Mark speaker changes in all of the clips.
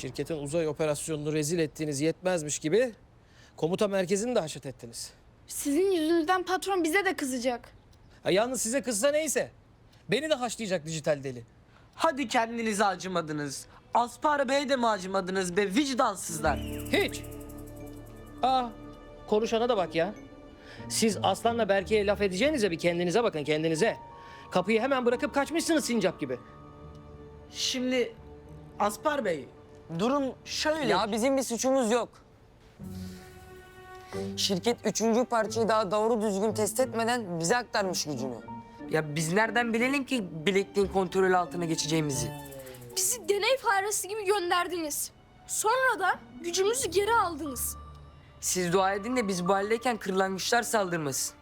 Speaker 1: şirketin uzay operasyonunu rezil ettiğiniz yetmezmiş gibi komuta merkezini de haşet ettiniz.
Speaker 2: Sizin yüzünüzden patron bize de kızacak.
Speaker 1: Ha, yalnız size kızsa neyse. Beni de haşlayacak dijital deli.
Speaker 3: Hadi kendinize acımadınız. Aspar Bey'e de mi acımadınız be vicdansızlar?
Speaker 1: Hiç. Aa, konuşana da bak ya. Siz Aslan'la Berke'ye laf edeceğinize bir kendinize bakın, kendinize. Kapıyı hemen bırakıp kaçmışsınız sincap gibi.
Speaker 3: Şimdi Aspar Bey, durum şöyle.
Speaker 4: Ya bizim bir suçumuz yok. Şirket üçüncü parçayı daha doğru düzgün test etmeden bize aktarmış gücünü. Ya biz nereden bilelim ki bilekliğin kontrol altına geçeceğimizi?
Speaker 2: Bizi deney faresi gibi gönderdiniz. Sonra da gücümüzü geri aldınız.
Speaker 4: Siz dua edin de biz bu haldeyken kırlangıçlar saldırmasın.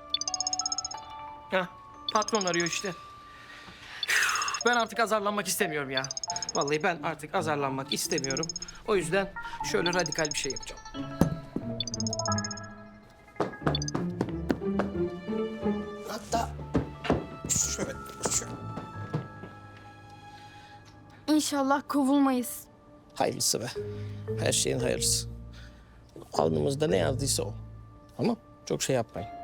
Speaker 1: Heh, patron arıyor işte. Üf, ben artık azarlanmak istemiyorum ya. Vallahi ben artık azarlanmak istemiyorum. O yüzden şöyle radikal bir şey yapacağım. Hatta şöyle.
Speaker 2: İnşallah kovulmayız.
Speaker 1: Hayırlısı be. Her şeyin hayırlısı. Alnımızda ne yazdıysa o. Ama çok şey yapmayın.